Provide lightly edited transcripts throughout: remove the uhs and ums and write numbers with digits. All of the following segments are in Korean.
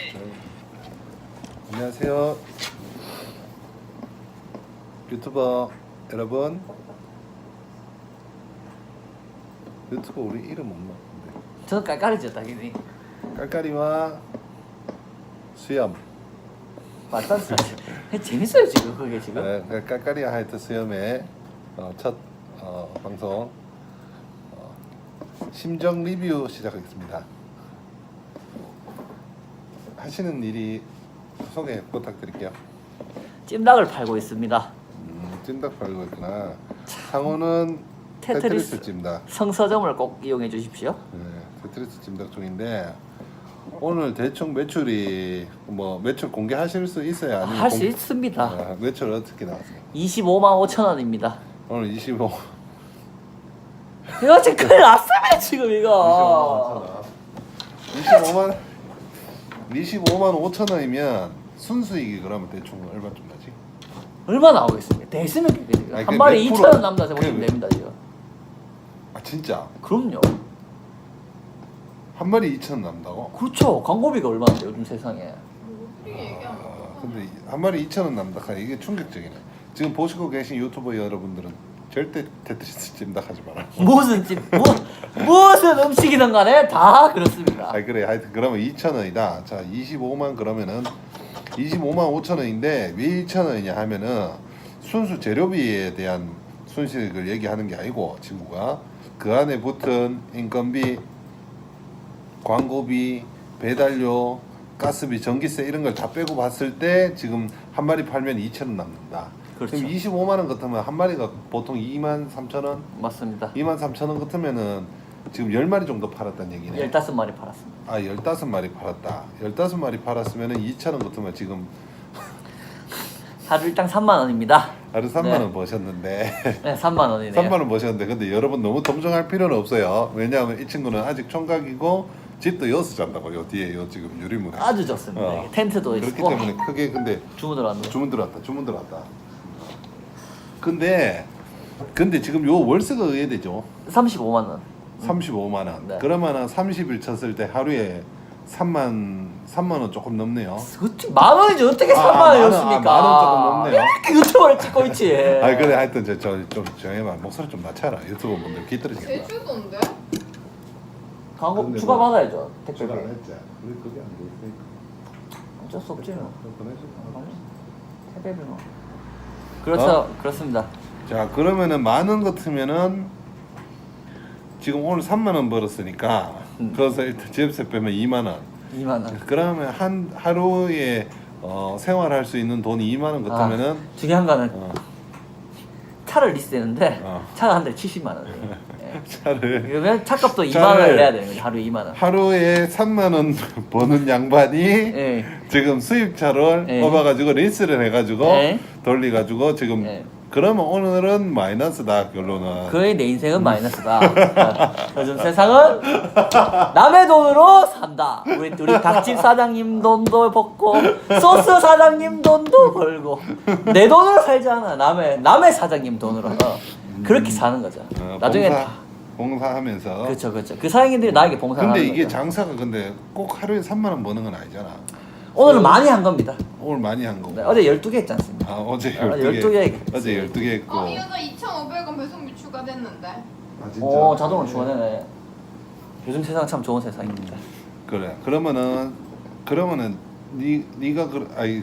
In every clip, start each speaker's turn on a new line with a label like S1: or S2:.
S1: 안녕하세요. 유튜버 여러분. 유튜버 우리 이름 없나?
S2: 저는 깔깔이죠 당연히.
S1: 깔깔이와 수염.
S2: 맞다. 재밌어요 지금 그게 지금.
S1: 네, 깔깔이와 하이트 수염의 첫 방송 심정 리뷰 시작하겠습니다. 하시는 일이 소개 부탁드릴게요.
S2: 찜닭을 팔고 있습니다.
S1: 찜닭 팔고 있구나. 상호는 테트리스 찜닭.
S2: 성서점을 꼭 이용해 주십시오.
S1: 네, 테트리스 찜닭 중인데 오늘 대충 매출이 매출 공개하실 수 있어요? 아니면
S2: 할 수 있습니다.
S1: 매출 어떻게 나왔어요?
S2: 25만 5천 원입니다.
S1: 오늘 25.
S2: 이거 지금 큰일 났으면 지금 이거.
S1: 25만 5천 원이면 순수익이 그러면 대충 얼마쯤 나지?
S2: 얼마 나오겠습니까? 대수면 지금
S1: 아니,
S2: 한 마리
S1: 몇
S2: 2천
S1: 프로?
S2: 원 남다 보시면 됩니다 지금.
S1: 아 진짜?
S2: 그럼요.
S1: 한 마리 2천 원 남다고?
S2: 그렇죠. 광고비가 얼마인데 요즘 세상에.
S1: 근데 한 마리 2천 원 남다. 이게 충격적이네. 지금 보시고 계신 유튜버 여러분들은 절대 테트리스 찜닭 하지 마라.
S2: 무슨 무슨 음식이든 간에 다 그렇습니다.
S1: 아 그래 하여튼 그러면 2천 원이다. 자 25만 그러면은 25만 5천 원인데 왜 2천 원이냐 하면은 순수 재료비에 대한 순수익을 얘기하는 게 아니고 친구가 그 안에 붙은 인건비, 광고비, 배달료, 가스비, 전기세 이런 걸 다 빼고 봤을 때 지금 한 마리 팔면 2천 원 남는다.
S2: 그렇죠.
S1: 그럼 25만 원 같으면 한 마리가 보통 2만 3천 원?
S2: 맞습니다.
S1: 2만 3천 원 같으면은 지금 10마리 정도 팔았다는 얘기네.
S2: 15마리 팔았습니다.
S1: 아 15마리 팔았다. 15마리 팔았으면은 2천 원 같으면 지금
S2: 하루 일당 3만 원입니다.
S1: 하루 3만
S2: 네.
S1: 원 버셨는데
S2: 네, 3만 원이네요.
S1: 3만 원 버셨는데 근데 여러분 너무 동정할 필요는 없어요. 왜냐하면 이 친구는 아직 총각이고 집도 여기서 잔다고 요 뒤에 요 지금 유리문에
S2: 아주 좋습니다. 이게 텐트도
S1: 그렇기
S2: 있고
S1: 때문에 크게 근데
S2: 주문 들어왔네요.
S1: 주문 들어왔다. 근데 지금 요 월세가 의외되죠.
S2: 35만 원.
S1: 35만 원.
S2: 네.
S1: 그러면은 30일 쳤을 때 하루에 3만 원 조금 넘네요.
S2: 어떻게 만 원이지 어떻게 3만 원이었습니까?
S1: 만 원 조금 넘네요.
S2: 이렇게 유튜버를 찍고 있지.
S1: 아 그래 하여튼 저좀 정해봐. 목소리 좀 낮춰라. 유튜브 분들 귀 떨어지겠다.
S3: 제주도인데?
S2: 광고
S1: 근데
S2: 추가
S1: 뭐
S2: 받아야죠. 택배비.
S1: 추가 안 했지. 우리 그게 안 돼 있으니까.
S2: 어쩔 수 없지 뭐.
S1: 보내줘.
S2: 택배비 뭐. 그렇죠. 그렇습니다.
S1: 자 그러면은 만 원 같으면은 지금 오늘 3만 원 벌었으니까 그래서 일단 집세 빼면 2만 원.
S2: 2만 원.
S1: 그러면 한 하루에 생활할 수 있는 돈이 2만 원 같으면은
S2: 중요한 거는
S1: 어,
S2: 차를 리스했는데
S1: 어.
S2: 차가 한 대 70만 원이에요. 예.
S1: 차를
S2: 그러면 차값도 2만
S1: 차를
S2: 원을 내야 되는 거죠. 하루에 2만 원.
S1: 하루에 3만 원 버는 양반이
S2: 예.
S1: 지금 수입차를
S2: 예.
S1: 뽑아가지고 리스를 해가지고
S2: 예.
S1: 돌려가지고 지금
S2: 예.
S1: 그러면 오늘은 마이너스다 결론은.
S2: 그의 내 인생은 마이너스다. 요즘 세상은 남의 돈으로 산다. 우리 닭집 사장님 돈도 벌고 소스 사장님 돈도 벌고 내 돈으로 살지 않아. 남의 사장님 돈으로 그렇게 사는 거죠. 나중에 다
S1: 봉사하면서.
S2: 그렇죠. 그 사장님들이 나에게 봉사하는
S1: 근데
S2: 거죠.
S1: 이게 장사가 근데 꼭 하루에 3만 원 버는 건 아니잖아.
S2: 오늘은 많이 한 겁니다.
S1: 오늘 많이 한 거고.
S2: 네, 어제 12개 했지 않습니까?
S1: 아 어제
S2: 12개
S1: 12개. 어제 12개 했고.
S3: 이 여자 2,500원 배송비 추가됐는데.
S1: 아 진짜.
S2: 오 자동으로 주원해네. 요즘 세상 참 좋은 세상입니다.
S1: 그래. 그러면은 네가 아니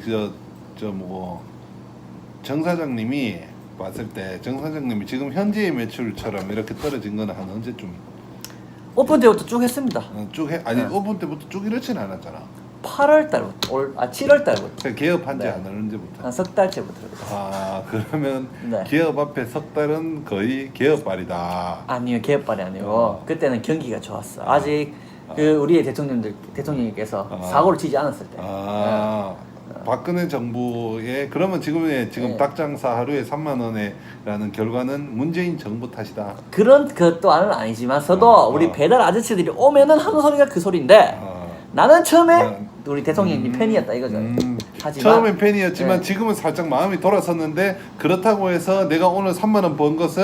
S1: 정 사장님이 봤을 때 정 사장님이 지금 현재의 매출처럼 이렇게 떨어진 거는 한 언제쯤
S2: 오픈 때부터 쭉 했습니다.
S1: 쭉 해? 아니
S2: 네.
S1: 오픈 때부터 쭉 이렇진 않았잖아.
S2: 8월 달부터 7월 달부터
S1: 그러니까 개업한 지
S2: 네.
S1: 안 언제부터?
S2: 한 석 달째부터 그랬어요.
S1: 아 그러면
S2: 네.
S1: 개업 앞에 석 달은 거의 개업발이다.
S2: 아니요 개업발이 아니고
S1: 어.
S2: 그때는 경기가 좋았어. 아직 그 우리의 대통령님께서 사고를 치지 않았을 때.
S1: 박근혜 정부의 그러면 지금
S2: 네.
S1: 닭 장사 하루에 3만 원에라는 결과는 문재인 정부 탓이다.
S2: 그런 것또는 아니지만서도 우리 배달 아저씨들이 오면은 하는 소리가 그 소리인데 나는 처음에 우리 대통령님 팬이었다 이거죠. 하지만
S1: 처음엔 팬이었지만
S2: 네.
S1: 지금은 살짝 마음이 돌아섰는데 그렇다고 해서 내가 오늘 3만 원 번 것은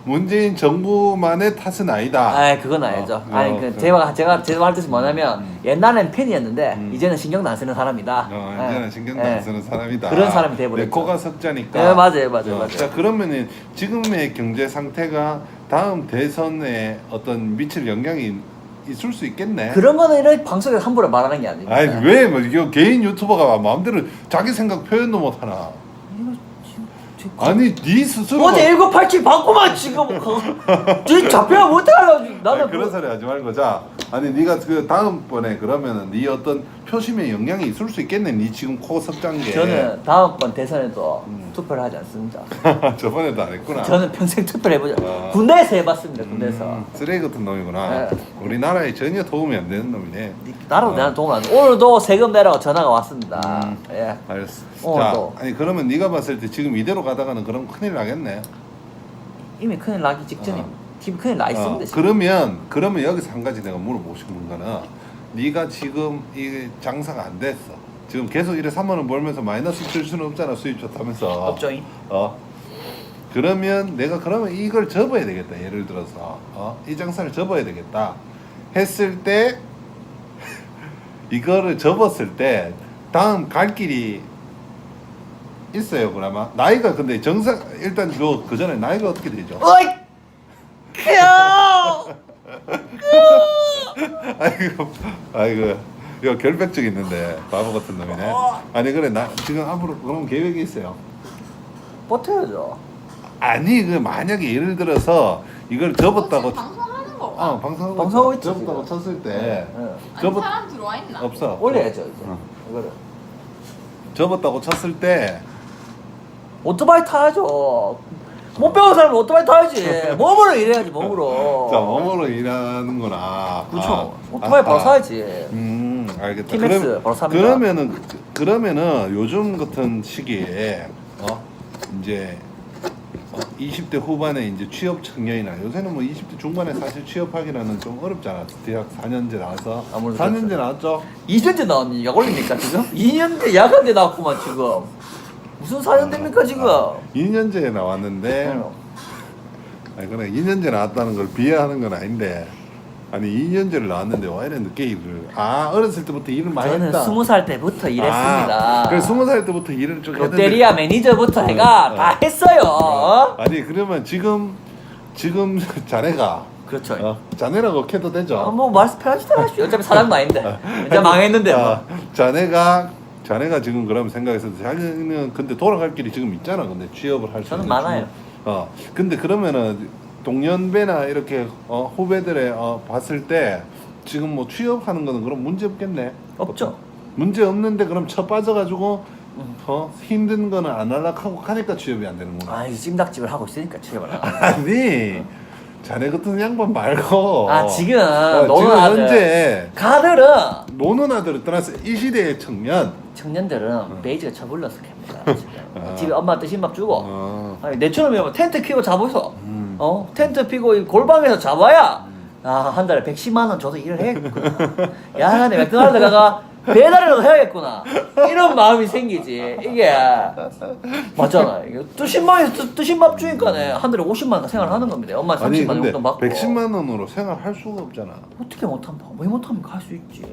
S1: 문재인 정부만의 탓은 아니다.
S2: 아, 그건 아니죠. 아니 그
S1: 그-
S2: 제가 할 뜻이 뭐냐면 옛날엔 팬이었는데 이제는 신경도 안 쓰는 사람이다.
S1: 이제는 신경도 안 쓰는 사람이다.
S2: 그런 사람이 돼버렸죠.
S1: 내 코가 석자니까.
S2: 네, 맞아요.
S1: 자, 그러면은 지금의 경제 상태가 다음 대선에 어떤 미칠 영향이 있을 수 있겠네.
S2: 그런 거는 이런 방송에서 함부로 말하는 게 아닙니다.
S1: 아니 왜 뭐 이거 개인 유튜버가 마음대로 자기 생각 표현도 못 하나?
S2: 이거 지금
S1: 아니 네 스스로
S2: 어제 1987 받고만 지금 뒤 잡혀야 못하려고 나는
S1: 그런 소리 하지 말고 자 아니 네가 그 다음번에 그러면은 네 어떤 표심에 영향이 있을 수 있겠네. 네 지금 코 석잔 게.
S2: 저는 다음번 대선에도 투표를 하지 않습니다.
S1: 저번에도 안 했구나.
S2: 저는 평생 투표를 해보죠.
S1: 아.
S2: 군대에서 해봤습니다. 군대에서.
S1: 쓰레기 같은 놈이구나.
S2: 네.
S1: 우리나라에 전혀 도움이 안 되는 놈이네.
S2: 나라도 내한테 도움 안 돼. 오늘도 세금 내라고 전화가 왔습니다. 예.
S1: 알았어.
S2: 자,
S1: 아니 그러면 네가 봤을 때 지금 이대로 가다가는 그럼 큰일 나겠네.
S2: 이미 큰일 나기 직전입니다. 지금 큰일 나 있습니다. 지금.
S1: 그러면 여기서 한 가지 내가 물어보고 싶은 거는 네가 지금 이 장사가 안 됐어. 지금 계속 이래 3만 원 벌면서 마이너스 칠 수는 없잖아. 수입 좋다면서.
S2: 없죠잉.
S1: 그러면 내가 그러면 이걸 접어야 되겠다. 예를 들어서 이 장사를 접어야 되겠다. 했을 때 이거를 접었을 때 다음 갈 길이 있어요. 그나마 나이가 근데 정상 일단 그 전에 나이가 어떻게 되죠?
S2: 어이! 켜!
S1: 아이고 이거 결백증 있는데 바보 같은 놈이네. 아니 그래 나 지금 앞으로 그런 계획이 있어요.
S2: 버텨야죠.
S1: 아니 그 만약에 예를 들어서 이걸 접었다고
S3: 지금 방송하는 거.
S2: 방송하고 있지,
S1: 접었다고
S2: 지금.
S1: 쳤을 때
S3: 아니
S1: 접었
S3: 사람 들어와 있나?
S1: 없어.
S2: 올려야죠 이제.
S1: 어.
S2: 이거를.
S1: 접었다고 쳤을 때
S2: 오토바이 타야죠. 못 배운 사람은 오토바이 타야지. 몸으로 일해야지 몸으로.
S1: 자, 몸으로 일하는구나.
S2: 그렇죠. 오토바이 바로 사야지.
S1: 알겠다.
S2: 티맥스 바로 삽니다.
S1: 그러면은 요즘 같은 시기에 이제 20대 후반에 이제 취업 청년이나 요새는 뭐 20대 중반에 사실 취업하기라는 좀 어렵잖아. 대학 4년제 나와서
S2: 아무래도
S1: 4년제 나왔죠.
S2: 2년째 나왔니? 약 올립니까 지금? 2년째 약한데 나왔구만 지금. 무슨 4년 됩니까 지금?
S1: 2년제에 나왔는데 아니 그래 2년제 나왔다는 걸 비하하는 건 아닌데 아니 2년제를 나왔는데 왜 이래 늦게 일을 어렸을 때부터 일을 많이
S2: 저는
S1: 했다.
S2: 20살 때부터 일했습니다.
S1: 그래 20살 때부터 일을 좀
S2: 롯데리아 매니저부터 해가 다 했어요.
S1: 아니 그러면 지금 자네가
S2: 그렇죠.
S1: 자네라고 해도 되죠?
S2: 뭐 말씀 편하게 하십시오. 어차피 사장도 아닌데. 이제 망했는데 뭐.
S1: 자네가 지금 그럼 생각해서 자기는 근데 돌아갈 길이 지금 있잖아. 근데 취업을 할 수
S2: 저는
S1: 있는
S2: 많아요.
S1: 근데 그러면은 동년배나 이렇게 후배들의 봤을 때 지금 뭐 취업하는 거는 그럼 문제 없겠네.
S2: 없죠.
S1: 문제 없는데 그럼 쳐 빠져가지고 힘든 거는 안 하려고 하니까 취업이 안 되는구나.
S2: 아, 이 찜닭집을 하고 있으니까 취업을 하고.
S1: 아니 자네 같은 양반 말고
S2: 지금
S1: 지금
S2: 노는 아들.
S1: 현재
S2: 가들은
S1: 노는 아들을 떠나서 이 시대의
S2: 청년들은 베이지가 쳐불러서 캡니다. 지금. 집에 엄마 뜨신 밥 주고.
S1: 어.
S2: 아니, 내처럼 텐트 피고 잡아서 텐트 피고 이 골방에서 잡아야 한 달에 110만 원 줘서 일을 해야겠구나. 야간에 맥도날드 가가 배달이라도 해야겠구나. 이런 마음이 생기지. 이게 맞잖아. 이게 뜨신 밥 주니까네 한 달에 50만 원 생활을 하는 겁니다. 엄마 30만
S1: 아니
S2: 원
S1: 근데
S2: 용돈 받고.
S1: 110만 원으로 생활할 수가 없잖아.
S2: 어떻게 못합니까? 왜 못합니까? 할 수 있지.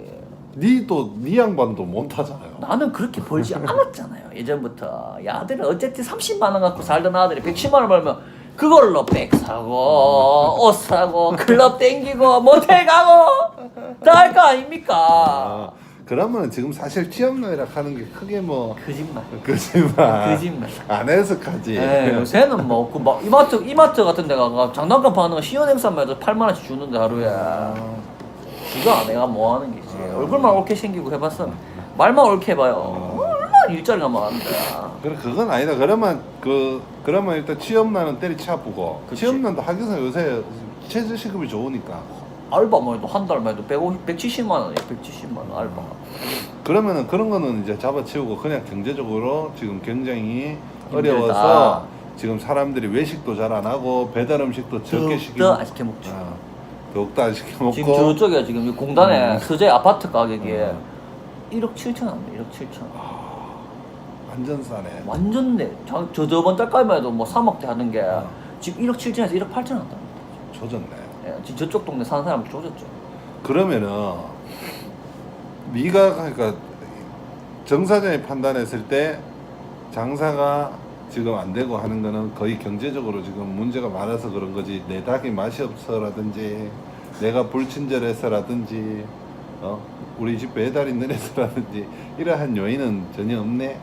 S1: 네 양반도 못 하잖아요.
S2: 나는 그렇게 벌지 않았잖아요. 예전부터. 야, 아들은 어쨌든 30만 원 갖고 살던 아들이 110만 원 벌면 그걸로 백 사고 옷 사고 클럽 땡기고 모텔 가고 다 할 거 아닙니까?
S1: 그러면 지금 사실 취업난이라 하는 게 크게 뭐
S2: 거짓말.
S1: 거짓말 안 해서까지.
S2: 요새는 뭐, 이마트 같은 데 가가 장난감 파는 거 시연 행사만 해도 8만 원씩 주는데 하루에. 그거 내가 뭐 하는 게지. 얼굴만 옳게 생기고 해봤어. 말만 옳게 해봐요. 얼마나 일자리가 많은데.
S1: 그래 그건 아니다. 그러면 일단 취업난은 때리치아프고
S2: 그치.
S1: 취업난도 하기서 요새 최저시급이 좋으니까.
S2: 알바만 해도 한 달만 해도 170만 원이에요. 170만 원 알바.
S1: 그러면은 그런 거는 이제 잡아치우고 그냥 경제적으로 지금 굉장히
S2: 힘들다.
S1: 어려워서 지금 사람들이 외식도 잘 안 하고 배달 음식도 적게 시키고
S2: 더욱더 안 시켜 먹죠.
S1: 더욱더 안 시켜 먹고
S2: 지금 저쪽에 지금 이 공단에 서재 아파트 가격이 1억 7천 원이에요. 1억 7천 원.
S1: 완전 싸네.
S2: 완전 내 저번 달까지만 해도 뭐 3억대 하는 게 지금 1억 7천에서 1억 8천 왔다.
S1: 조졌네.
S2: 예, 지금 저쪽 동네 사는 사람 조졌죠.
S1: 그러면은 네가 그러니까 정사장이 판단했을 때 장사가 지금 안 되고 하는 거는 거의 경제적으로 지금 문제가 많아서 그런 거지. 내 닭이 맛이 없어라든지 내가 불친절해서라든지 우리 집 배달이 느려서라든지 이러한 요인은 전혀 없네.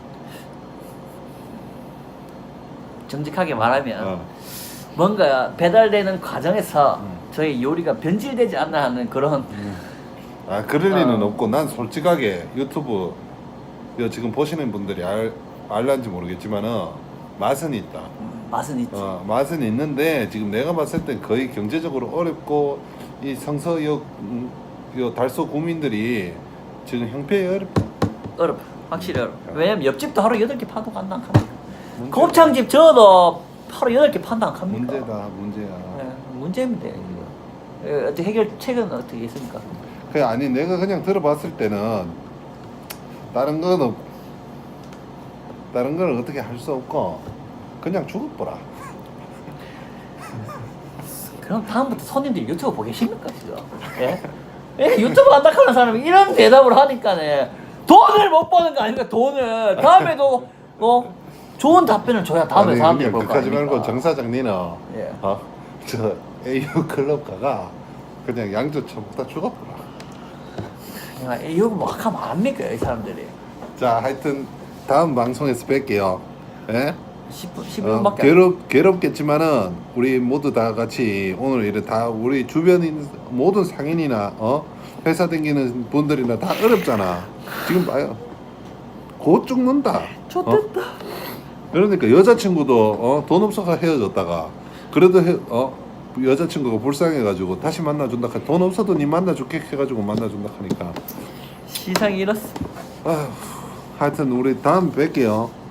S2: 정직하게 말하면
S1: 어.
S2: 뭔가 배달되는 과정에서
S1: 음.
S2: 저희 요리가 변질되지 않나 하는 그런
S1: 아 그럴 리는
S2: 어.
S1: 없고 난 솔직하게 유튜브 이거 지금 보시는 분들이 알란지 모르겠지만은 맛은 있다.
S2: 맛은 있지.
S1: 맛은 있는데 지금 내가 봤을 땐 거의 경제적으로 어렵고 이 성서역 요 달서 구민들이 지금 형편이 어렵다.
S2: 어렵. 확실히 어렵. 왜냐면 옆집도 하루 8개 파도 간다 합니까?
S1: 문제다.
S2: 곱창집 저도 하루 8개 판다 합니까?
S1: 문제야.
S2: 네, 문제입니다. 어떻게 해결책은 어떻게 있습니까?
S1: 그 아니 내가 그냥 들어봤을 때는 다른 건 어떻게 할 수 없고 그냥 죽어보라.
S2: 그럼 다음부터 손님들이 유튜브 보기 싫습니까 지금? 예? 예, 유튜브 한다 하는 사람이 이런 대답을 하니까네 돈을 못 버는 거 아닙니까? 돈을 다음에도 좋은 답변을 줘야 다음에
S1: 아니,
S2: 사람들이
S1: 그냥
S2: 볼거
S1: 그까지
S2: 아닙니까?
S1: 말고 정 사장님은
S2: 예.
S1: 저 AU 클럽 가가 그냥 양주 처먹다 죽어보라.
S2: 이거 뭐 하면 안 합니까 이 사람들이?
S1: 자 하여튼 다음 방송에서 뵐게요. 예?
S2: 10분밖에
S1: 괴롭겠지만은 우리 모두 다 같이 오늘 이래 다 우리 주변인 모든 상인이나 회사 다니는 분들이나 다 어렵잖아. 지금 봐요. 곧 죽는다.
S2: 좋겠다.
S1: 그러니까 여자친구도 돈 없어서 헤어졌다가 그래도 여자친구가 불쌍해가지고 다시 만나준다. 돈 없어도 니 만나줄게 해가지고 만나준다 하니까.
S2: 시상이 이렇습니다.
S1: 하여튼 우리 다음 뵐게요.